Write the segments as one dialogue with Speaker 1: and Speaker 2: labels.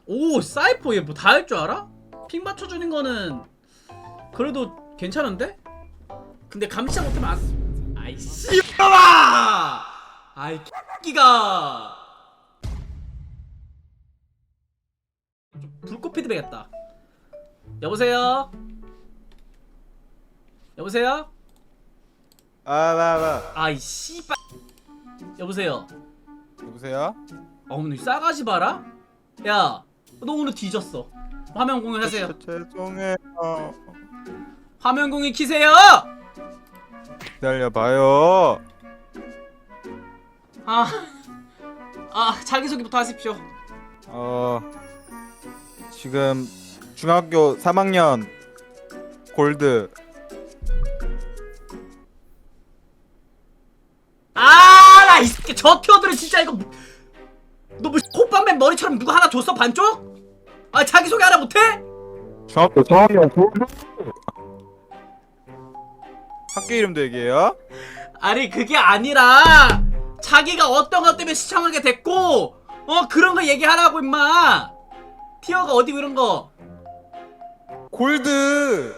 Speaker 1: 오 사이퍼 얘 뭐 다 할 줄 알아? 핑 맞춰주는 거는 그래도 괜찮은데? 근데 감시자 못하면 안... 아이 씨발아! 아이 끼가 불꽃 피드백했다. 여보세요? 여보세요? 아이 씨발 여보세요?
Speaker 2: 여보세요?
Speaker 1: 오늘 싸가지 봐라? 야 너 오늘 뒤졌어. 화면 공유하세요.
Speaker 2: 죄송해요.
Speaker 1: 화면 공유 키세요.
Speaker 2: 기다려봐요.
Speaker 1: 자기소개부터 하십시오.
Speaker 2: 지금 중학교 3학년 골드.
Speaker 1: 나 이 새끼 저 티어들은 진짜 이거 너 뭐 콧방맨 머리처럼 누가 하나 줬어 반쪽? 자기소개 하나 못해?
Speaker 2: 중학교 3학년 골드. 학교 이름도 얘기해요?
Speaker 1: 아니 그게 아니라 자기가 어떤 것 때문에 시청하게 됐고 그런 거 얘기하라고 임마. 티어가 어디고 이런 거.
Speaker 2: 골드.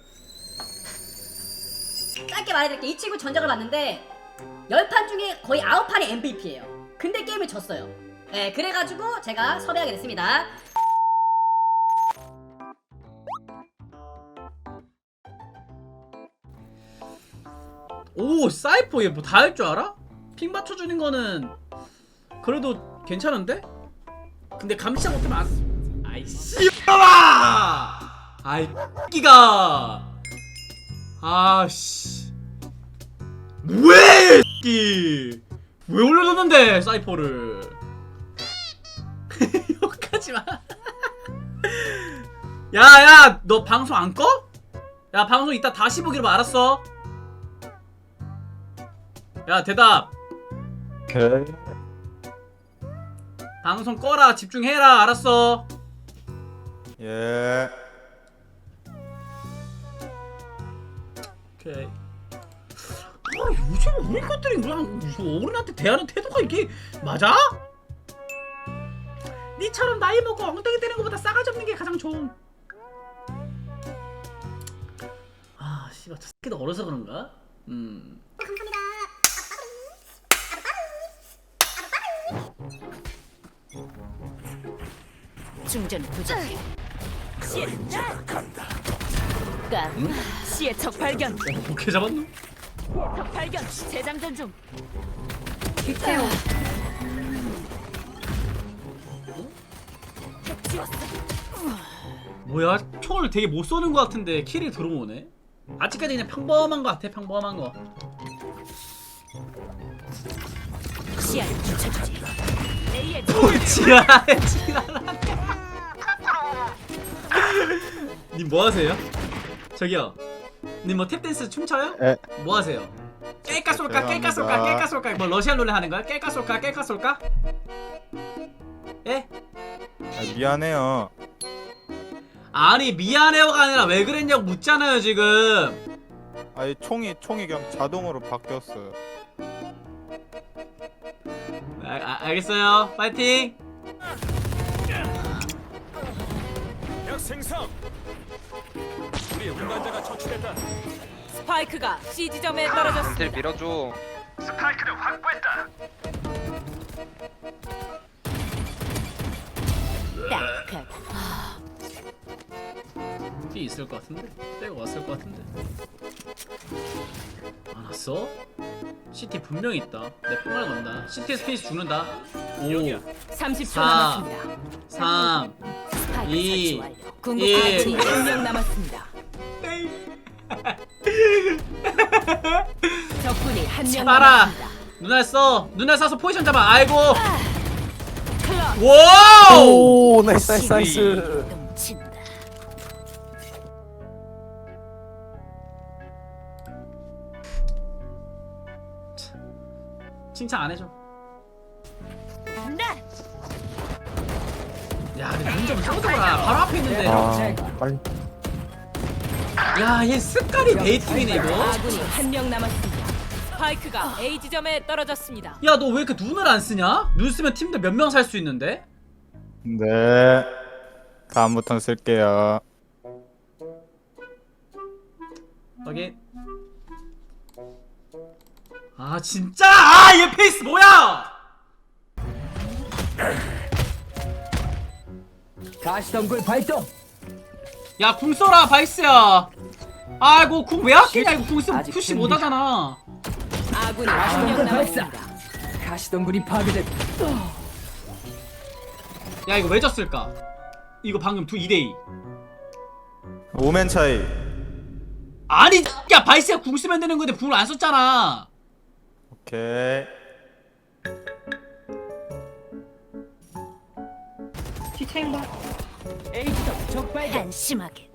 Speaker 3: 짧게 말해드릴게요. 이 친구 전적을 봤는데 10판 중에 거의 9판이 MVP예요. 근데 게임을 졌어요. 네, 그래가지고 제가 섭외하게 됐습니다.
Speaker 1: 오 사이퍼 얘 뭐 다 할 줄 알아? 핑 맞춰주는 거는 그래도 괜찮은데? 근데 감시자 못하면 안... 아이 씨발아! 아이 끼가 아씨 왜 끼? 왜 올려줬는데 사이퍼를 욕하지마. 야야 너 방송 안 꺼? 야 방송 이따 다시 보기로 알았어. 야 대답.
Speaker 2: 오케이.
Speaker 1: 방송 꺼라. 집중해라. 알았어.
Speaker 2: 예.
Speaker 1: 오케이. 요즘 우리 것들이 그냥 어른한테 대하는 태도가 이게 맞아? 니처럼 나이 먹고 엉덩이 때리는 것보다 싸가지 없는 게 가장 좋은. 씨발 저 새끼도 어려서 그런가?
Speaker 4: 중전 부족해. 시작한다. 시의 적 발견.
Speaker 1: 오케이 잡았노?
Speaker 4: 적 발견. 재장전 중.
Speaker 3: 빅테오.
Speaker 4: 지웠어.
Speaker 1: 뭐야? 총을 되게 못 쏘는 것 같은데 킬이 들어오네? 아직까지 그냥 평범한 것 같아. 평범한 거.
Speaker 4: 시야를 훔쳐주지. A의
Speaker 1: 지랄하네. 님 뭐하세요? 저기요 님 뭐 탭댄스 춤춰요?
Speaker 2: 에.
Speaker 1: 뭐하세요? 깰까 쏠까 깰까 쏠까 깰까 쏠까 뭐 러시안 룰렛 하는 거야? 깰까 쏠까 깰까 쏠까? 예?
Speaker 2: 미안해요.
Speaker 1: 아니 미안해요가 아니라 왜 그랬냐고 묻잖아요 지금.
Speaker 2: 아니 총이 그냥 자동으로 바뀌었어요.
Speaker 1: 알겠어요. 파이팅.
Speaker 5: 생성. 우리 운반자가 처치됐다.
Speaker 4: 스파이크가 C 지점에 떨어졌습니다.
Speaker 6: 딜 밀어줘.
Speaker 5: 스파이크를 확보했다.
Speaker 4: 딱.
Speaker 1: 피 있을 것 같은데? 빼고 왔을 것 같은데? 안 왔어? CT 분명히 있다. 내 폭발 건다. CT 스페이스 죽는다. 5
Speaker 4: 30초
Speaker 1: 4
Speaker 4: 남았습니다.
Speaker 1: 3
Speaker 4: 스파이크
Speaker 1: 2
Speaker 4: 설치 완료. 궁극까지 1명 남았습니다. 적군이 한명
Speaker 1: 봐라.
Speaker 4: 남았습니다.
Speaker 1: 눈알 써. 눈알 쏴서 포지션 잡아. 아이고.
Speaker 4: 클럽.
Speaker 1: 와우.
Speaker 7: 오 나이스.
Speaker 4: 넘친다.
Speaker 1: 칭찬 안 해줘.
Speaker 4: 네.
Speaker 1: 야, 근데 문좀 쳐줘라. 바로 앞에 있는데.
Speaker 7: 빨리.
Speaker 1: 야, 얘 습관이 베이팅이네 이거.
Speaker 4: 아군이 한명 남았습니다. 스파이크가 A 지점에 떨어졌습니다.
Speaker 1: 야, 너 왜 이렇게 눈을 안 쓰냐? 눈 쓰면 팀들 몇 명 살 수 있는데?
Speaker 2: 네. 다음부터는 쓸게요.
Speaker 1: 확인. 아 진짜 아 얘 페이스 뭐야?
Speaker 6: 가시덤굴 발동.
Speaker 1: 야 궁 써라 바이스야. 아이고 궁 왜 아끼냐 이거 궁 있으면
Speaker 6: 아직
Speaker 1: 푸시
Speaker 6: 됩니다.
Speaker 1: 못하잖아.
Speaker 4: 아군이 한 명
Speaker 6: 가시덤굴 발사.
Speaker 4: 남았습니다.
Speaker 6: 가시덤굴이 파괴됐다.
Speaker 1: 야 이거 왜 졌을까? 이거 방금 2대2
Speaker 2: 오멘 차이.
Speaker 1: 아니 야 바이스가 궁 쓰면 되는 건데 궁을 안 썼잖아.
Speaker 2: 오케이.
Speaker 6: 에이스덤 적발견.
Speaker 4: 한심하게.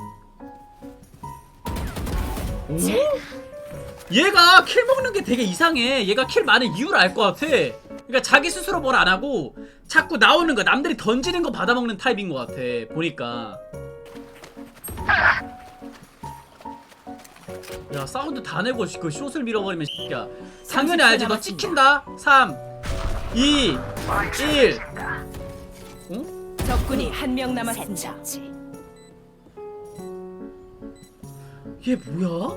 Speaker 1: 오? 얘가 킬 먹는 게 되게 이상해. 얘가 킬 많은 이유를 알 것 같아. 그러니까 자기 스스로 뭘 안 하고 자꾸 나오는 거 남들이 던지는 거 받아먹는 타입인 것 같아 보니까. 야 사운드 다 내고 그 숏을 밀어버리면 야 당연히 알지. 너 찍힌다. 3 2 1 어?
Speaker 4: 적군이 한 명 남았습니다.
Speaker 1: 얘 뭐야?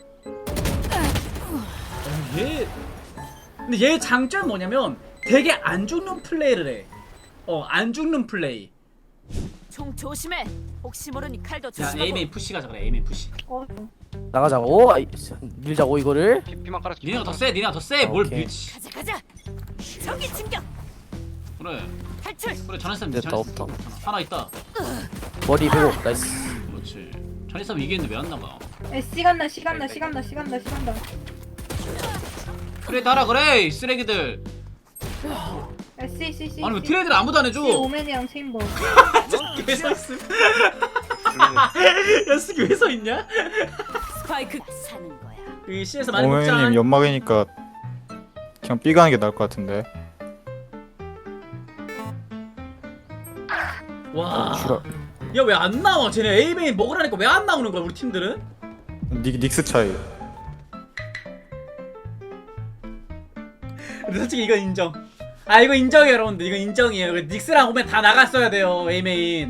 Speaker 1: 얘 근데 얘 장점이 뭐냐면 되게 안 죽는 플레이를 해. 안 죽는 플레이.
Speaker 4: 총 조심해. 혹시 모르니 칼도
Speaker 1: 야
Speaker 4: 조심하고.
Speaker 1: 에이메인 푸시 가자 그래. 에이메인 푸시.
Speaker 7: 나가자고. 아이, 밀자고 이거를.
Speaker 5: 피만 깔아.
Speaker 1: 니네가 더 세. 니네가 더 세. 뭘
Speaker 7: 오케이.
Speaker 1: 밀지.
Speaker 4: 가자 가자. 전기 진격.
Speaker 1: 그래.
Speaker 4: 탈출.
Speaker 1: 그래 전했으면
Speaker 7: 됐다, 없다.
Speaker 1: 하나 있다.
Speaker 7: 머리 배고 나이스.
Speaker 1: 그렇지. 전했으면 이기는데 왜 안 나가?
Speaker 8: 시간나 시간나 시간나 시간나 시간나
Speaker 1: 그래 따라 그래 이 쓰레기들.
Speaker 8: C
Speaker 1: 아니 왜 트레이드를 아무도 안 해줘?
Speaker 8: 오맨이랑 체인버
Speaker 1: 왜 서있음? 야 스키 왜 서있냐?
Speaker 4: 스파이크 사는 거야.
Speaker 1: 이 C에서 많이 먹자.
Speaker 2: 오멘님 연막이니까 그냥 B 가는 게 나을 것 같은데.
Speaker 1: 와.
Speaker 7: 주라.
Speaker 1: 야 왜 안 나와? 쟤네 A메인 먹으라니까 왜 안 나오는 거야 우리 팀들은?
Speaker 2: 닉스 차이.
Speaker 1: 근데 솔직히 이건 인정. 아 이거 인정이에요 여러분들. 이거 인정이에요. 닉스랑 오면 다 나갔어야 돼요 A메인.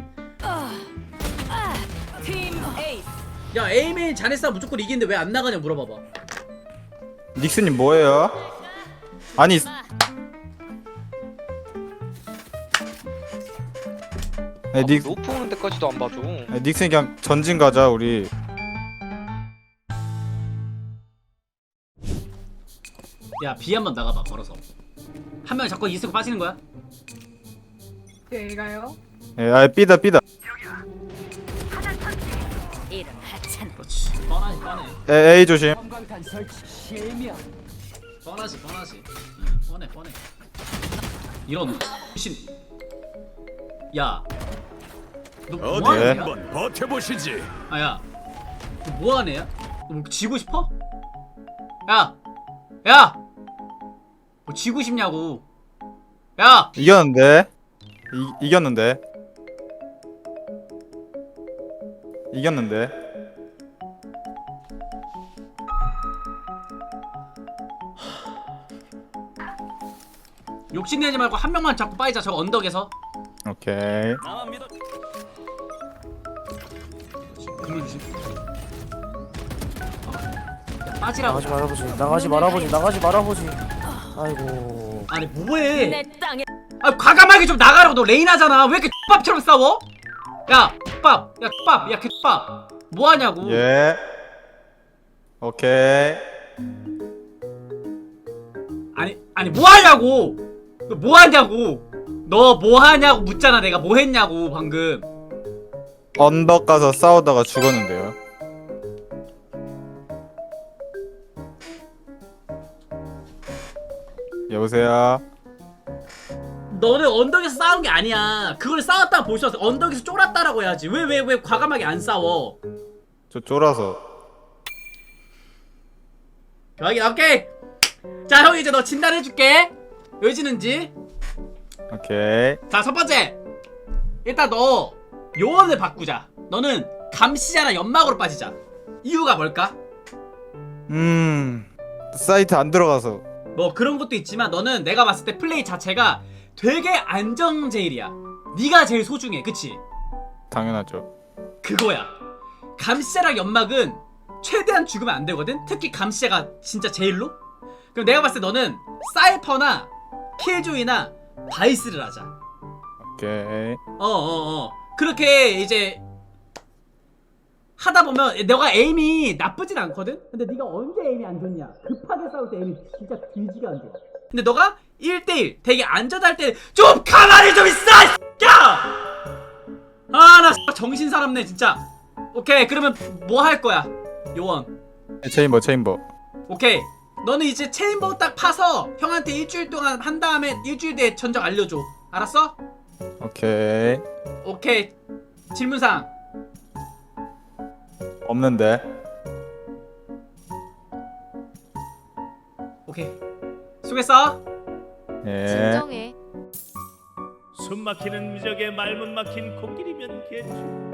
Speaker 4: 팀 에이스.
Speaker 1: 야 A메인 자네 싸움 무조건 이기는데 왜 안 나가냐 물어봐봐.
Speaker 2: 닉스님 뭐예요? 아니
Speaker 5: 높은 오는 데까지도 안 봐줘.
Speaker 2: 닉스님 그냥 전진 가자 우리.
Speaker 1: 야 B 한번 나가봐 걸어서. 한 명이 자꾸 이스고 빠지는 거야?
Speaker 8: 얘가요?
Speaker 2: 예, B다.
Speaker 4: 이름 하찮아.
Speaker 1: 그렇지. 뻔하지 뻔해.
Speaker 2: A 조심.
Speaker 6: 섬광탄 설치 실명.
Speaker 1: 뻔하지. 뻔해. 이런 신. 야. 너 뭐하는
Speaker 2: 네.
Speaker 1: 애야?
Speaker 5: 버텨보시지.
Speaker 1: 아야. 너 뭐하는 애야? 너 뭐 지고 싶어? 야. 뭐 지고 싶냐고. 야.
Speaker 2: 이겼는데. 이겼는데.
Speaker 1: 욕심내지 말고 한 명만 잡고 빠지자 저 언덕에서.
Speaker 2: 오케이.
Speaker 5: 나만 믿어.
Speaker 1: 눌러주지. 야, 빠지라고.
Speaker 7: 나가지 말아보지. 아이고.
Speaker 1: 아니 뭐해?
Speaker 4: 내 땅에
Speaker 1: 아 과감하게 좀 나가라고. 너 레인하잖아. 왜 이렇게 X밥처럼 싸워? 야 X밥. 야 X밥. 야 X밥. 뭐하냐고.
Speaker 2: 예. 오케이.
Speaker 1: 아니 뭐하냐고. 너 뭐하냐고. 너 뭐하냐고 묻잖아. 내가 뭐했냐고 방금.
Speaker 2: 언덕 가서 싸우다가 죽었는데요. 여보세요.
Speaker 1: 너는 언덕에서 싸운 게 아니야. 그걸 싸웠다가 볼 수 없어. 언덕에서 쫄았다라고 해야지. 왜 과감하게 안 싸워?
Speaker 2: 저 쫄아서.
Speaker 1: 여기 오케이. 자 형이 이제 너 진단해줄게. 왜 지는지.
Speaker 2: 오케이.
Speaker 1: 자 첫 번째. 일단 너 요원을 바꾸자. 너는 감시자나 연막으로 빠지자. 이유가 뭘까?
Speaker 2: 사이트 안 들어가서.
Speaker 1: 뭐 그런 것도 있지만 너는 내가 봤을 때 플레이 자체가 되게 안정제일이야. 네가 제일 소중해, 그치?
Speaker 2: 당연하죠.
Speaker 1: 그거야. 감시자랑 연막은 최대한 죽으면 안 되거든. 특히 감시자가 진짜 제일로. 그럼 내가 봤을 때 너는 사이퍼나 킬조이나 바이스를 하자.
Speaker 2: 오케이.
Speaker 1: 그렇게 이제 하다 보면 너가 에임이 나쁘진 않거든? 근데 네가 언제 에임이 안 좋냐? 급하게 싸울 때 에임이 진짜 뒤지가 안 좋아. 근데 너가 1대1 되게 안전할 때 좀 가만히 좀 있어! 야! 아, 나 정신 사납네 진짜. 오케이, 그러면 뭐 할 거야? 요원.
Speaker 2: 체인버.
Speaker 1: 오케이. 너는 이제 체인버 딱 파서 형한테 일주일 동안 한 다음에 일주일 뒤에 전적 알려줘. 알았어?
Speaker 2: 오케이.
Speaker 1: 오케이. 질문사항.
Speaker 2: 없는데.
Speaker 1: 오케이. 수고했어.
Speaker 2: 예.
Speaker 9: 진정해.
Speaker 10: 숨 막히는 미적에 말문 막힌 코끼리면 개추